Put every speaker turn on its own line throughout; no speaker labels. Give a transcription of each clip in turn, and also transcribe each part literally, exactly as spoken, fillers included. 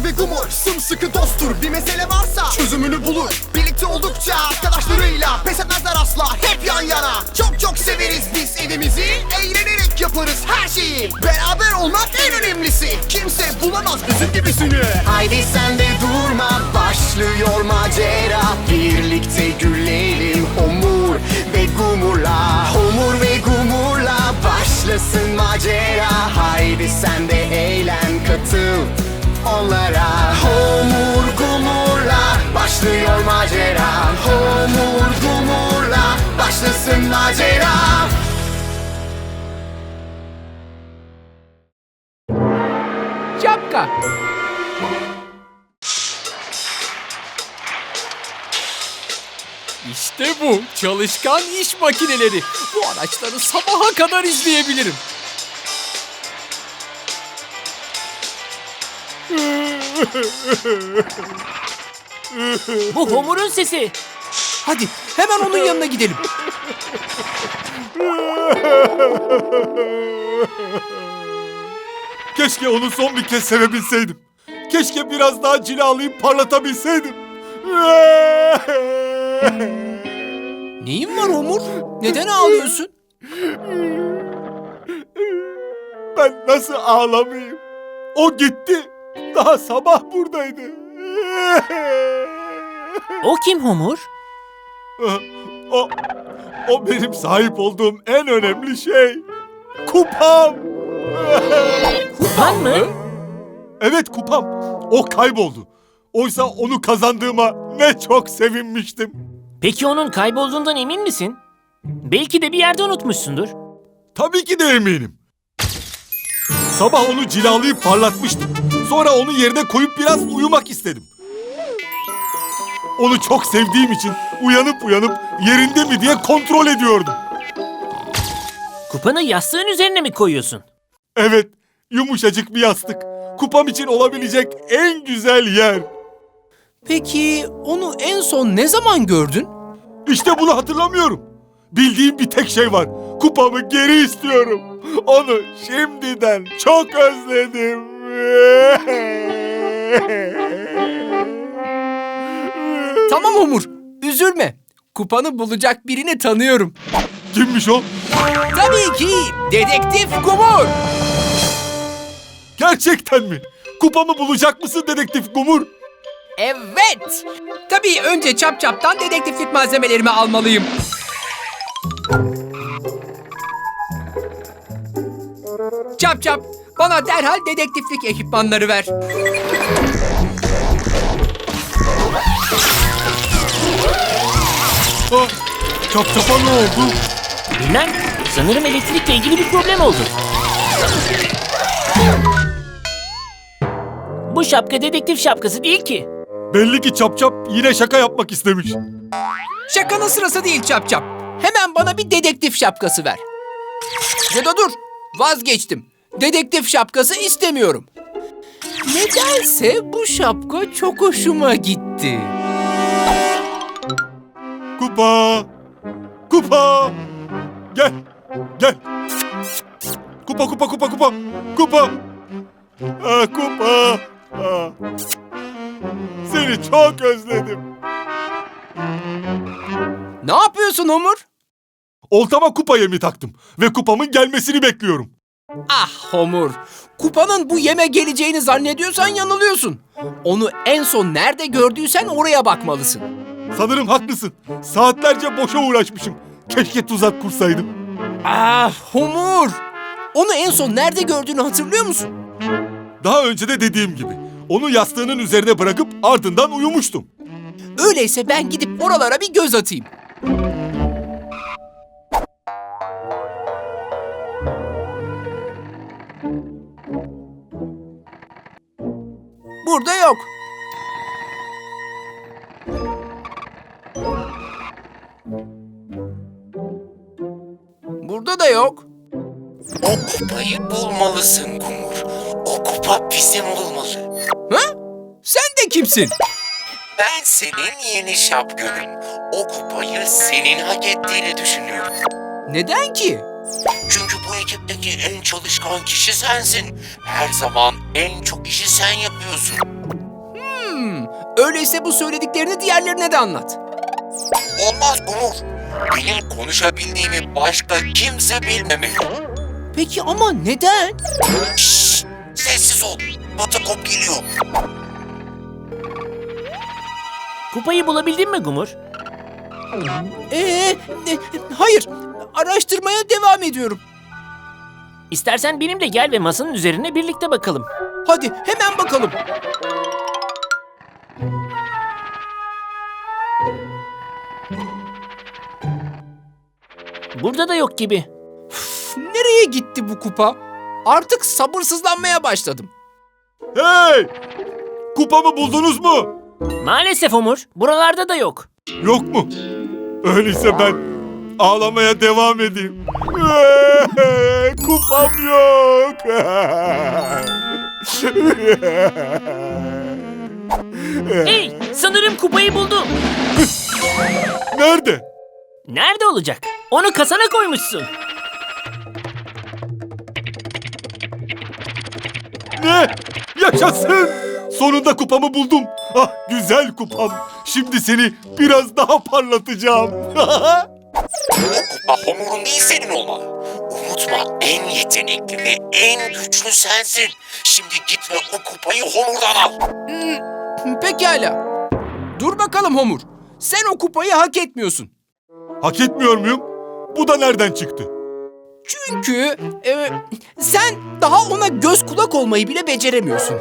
Homur ve Gumur sımsıkı dosttur. Bir mesele varsa çözümünü bulur. Birlikte oldukça arkadaşlarıyla pes etmezler asla, hep yan yana. Çok çok severiz biz evimizi, eğlenerek yaparız her şeyi. Beraber olmak en önemlisi, kimse bulamaz bizim gibisini. Haydi sen de durma, başlıyor macera. Birlikte gülelim Homur ve Gumur'la. Homur ve Gumur'la başlasın macera. Haydi sen de eğlen, katıl onlara. Homur Gumur'la başlıyor macera. Homur Gumur'la başlasın macera.
Şapka. İşte bu çalışkan iş makineleri. Bu araçları sabaha kadar izleyebilirim.
Bu Homur'un sesi.
Hadi hemen onun yanına gidelim.
Keşke onu son bir kez sevebilseydim. Keşke biraz daha cilalayıp parlatabilseydim.
Neyin var Homur? Neden ağlıyorsun?
Ben nasıl ağlamayayım? O gitti. Daha sabah buradaydı.
O kim Homur?
O, o benim sahip olduğum en önemli şey. Kupam.
Kupan mı?
Evet, kupam. O kayboldu. Oysa onu kazandığıma ne çok sevinmiştim.
Peki onun kaybolduğundan emin misin? Belki de bir yerde unutmuşsundur.
Tabii ki de eminim. Sabah onu cilalayıp parlatmıştım. Sonra onu yerine koyup biraz uyumak istedim. Onu çok sevdiğim için uyanıp uyanıp yerinde mi diye kontrol ediyordum.
Kupanı yastığın üzerine mi koyuyorsun?
Evet, yumuşacık bir yastık. Kupam için olabilecek en güzel yer.
Peki onu en son ne zaman gördün?
İşte bunu hatırlamıyorum. Bildiğim bir tek şey var. Kupamı geri istiyorum. Onu şimdiden çok özledim.
Tamam Homur, üzülme. Kupanı bulacak birini tanıyorum.
Kimmiş o?
Tabii ki Dedektif Gumur.
Gerçekten mi? Kupamı bulacak mısın Dedektif Gumur?
Evet. Tabii önce Çap Çap'tan dedektiflik malzemelerimi almalıyım. Çap Çap, bana derhal dedektiflik ekipmanları ver.
Ha, çap çapa ne oldu?
Bilmem. Sanırım elektrikle ilgili bir problem oldu. Bu şapka dedektif şapkası değil ki.
Belli ki Çap Çap yine şaka yapmak istemiş.
Şakanın sırası değil Çap Çap. Hemen bana bir dedektif şapkası ver. Ya da dur, vazgeçtim. Dedektif şapkası istemiyorum. Nedense bu şapka çok hoşuma gitti.
Kupa! Kupa! Gel! Gel! Kupa kupa kupa kupa! Kupa! Ah, kupa! Ah. Seni çok özledim.
Ne yapıyorsun Homur?
Oltama kupa yemi taktım ve kupamın gelmesini bekliyorum.
Ah Homur, kupanın bu yeme geleceğini zannediyorsan yanılıyorsun. Onu en son nerede gördüysen oraya bakmalısın.
Sanırım haklısın. Saatlerce boşa uğraşmışım. Keşke tuzak kursaydım.
Ah Homur, onu en son nerede gördüğünü hatırlıyor musun?
Daha önce de dediğim gibi. Onu yastığının üzerine bırakıp ardından uyumuştum.
Öyleyse ben gidip oralara bir göz atayım. Burada yok. Burada da yok.
O kupayı bulmalısın Kumur. O kupa bizim olmalı.
Ha? Sen de kimsin?
Ben senin yeni şapkınım. O kupayı senin hak ettiğini düşünüyorum.
Neden ki?
Çünkü bu ekipteki en çalışkan kişi sensin. Her zaman en çok işi sen yapıyorsun.
Hmm, öyleyse bu söylediklerini diğerlerine de anlat.
Olmaz Gumur. Benim konuşabildiğimi başka kimse bilmemeli.
Peki ama neden?
Şşş, sessiz ol. Batakop geliyor.
Kupayı bulabildin mi Gumur?
Ee, e, hayır, araştırmaya devam ediyorum.
İstersen benimle gel ve masanın üzerine birlikte bakalım.
Hadi hemen bakalım.
Burada da yok gibi.
Nereye gitti bu kupa? Artık sabırsızlanmaya başladım.
Hey! Kupamı buldunuz mu?
Maalesef Homur, buralarda da yok.
Yok mu? Öyleyse ben ağlamaya devam edeyim. Kupam yok.
Hey, sanırım kupayı buldum.
Nerede?
Nerede olacak? Onu kasana koymuşsun.
Ne? Yaşasın! Sonunda kupamı buldum. Ah güzel kupam. Şimdi seni biraz daha parlatacağım.
O kupa Homur'un değil senin olmalı. Unutma en yetenekli ve en güçlü sensin. Şimdi git ve o kupayı Homur'dan al.
Pekala. Dur bakalım Homur. Sen o kupayı hak etmiyorsun.
Hak etmiyor muyum? Bu da nereden çıktı?
Çünkü e, sen daha ona göz kulak olmayı bile beceremiyorsun.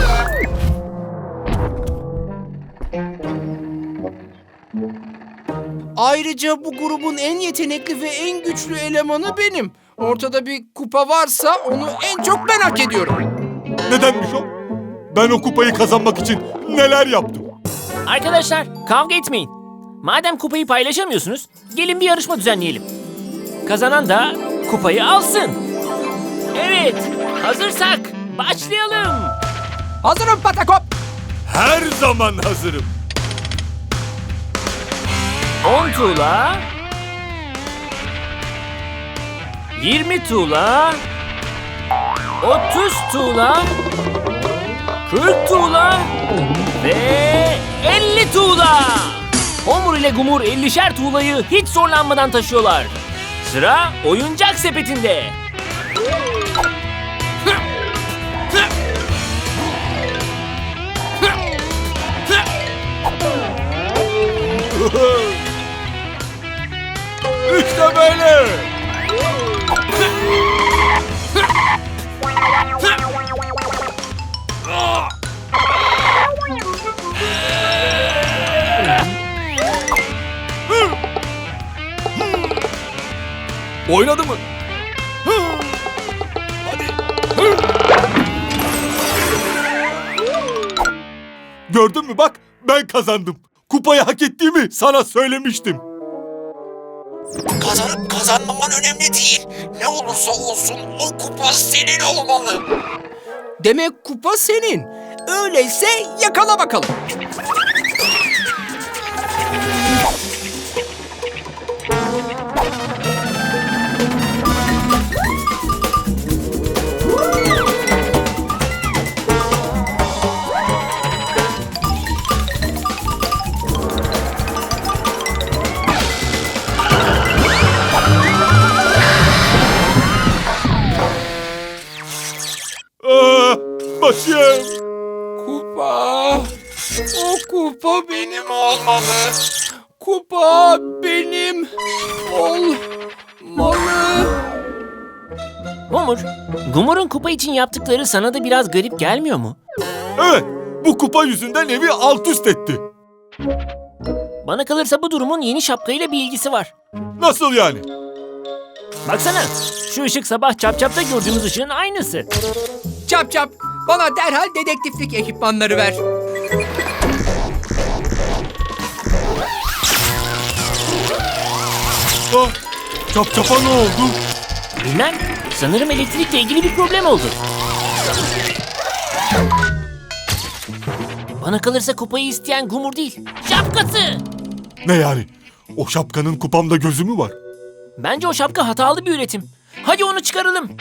Ayrıca bu grubun en yetenekli ve en güçlü elemanı benim. Ortada bir kupa varsa onu en çok ben hak ediyorum.
Nedenmiş o? Ben o kupayı kazanmak için neler yaptım?
Arkadaşlar, kavga etmeyin. Madem kupayı paylaşamıyorsunuz, gelin bir yarışma düzenleyelim. Kazanan da kupayı alsın. Evet, hazırsak başlayalım.
Hazırım Patakop.
Her zaman hazırım.
on tuğla, yirmi tuğla, otuz tuğla, kırk tuğla ve elli tuğla. Homur ile Gumur ellişer tuğlayı hiç zorlanmadan taşıyorlar. Sıra oyuncak sepetinde.
İşte böyle. Oynadı mı? Hadi. Gördün mü bak ben kazandım. Kupayı hak ettiğimi sana söylemiştim.
Kazanıp kazanmaman önemli değil. Ne olursa olsun o kupa senin olmalı.
Demek kupa senin. Öyleyse yakala bakalım.
Aa, başım.
Kupa. O kupa benim.
Benim olmalı.
Kupa benim olmalı.
Homur, Gumur'un kupa için yaptıkları sana da biraz garip gelmiyor mu?
Evet bu kupa yüzünden evi alt üst etti.
Bana kalırsa bu durumun yeni şapkayla bir ilgisi var.
Nasıl yani?
Baksana, şu ışık sabah Çapçap'ta gördüğümüz ışığın aynısı.
Çap çap, bana derhal dedektiflik ekipmanları ver.
Ah, çap çapa ne oldu?
Bilmem, sanırım elektrikle ilgili bir problem oldu. Bana kalırsa kupayı isteyen Gumur değil, şapkası.
Ne yani? O şapkanın kupamda gözü mü var?
Bence o şapka hatalı bir üretim. Hadi onu çıkaralım.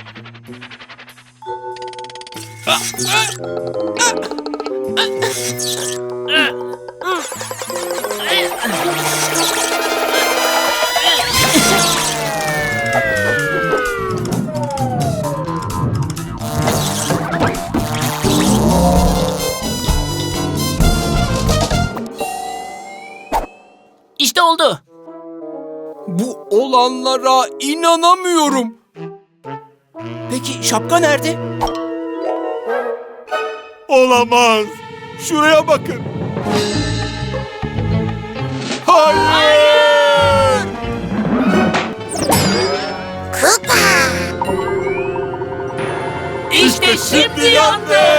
İşte oldu.
Bu olanlara inanamıyorum. Peki şapka nerede?
Olamaz. Şuraya bakın. Hayır!
İşte şimdi yandı.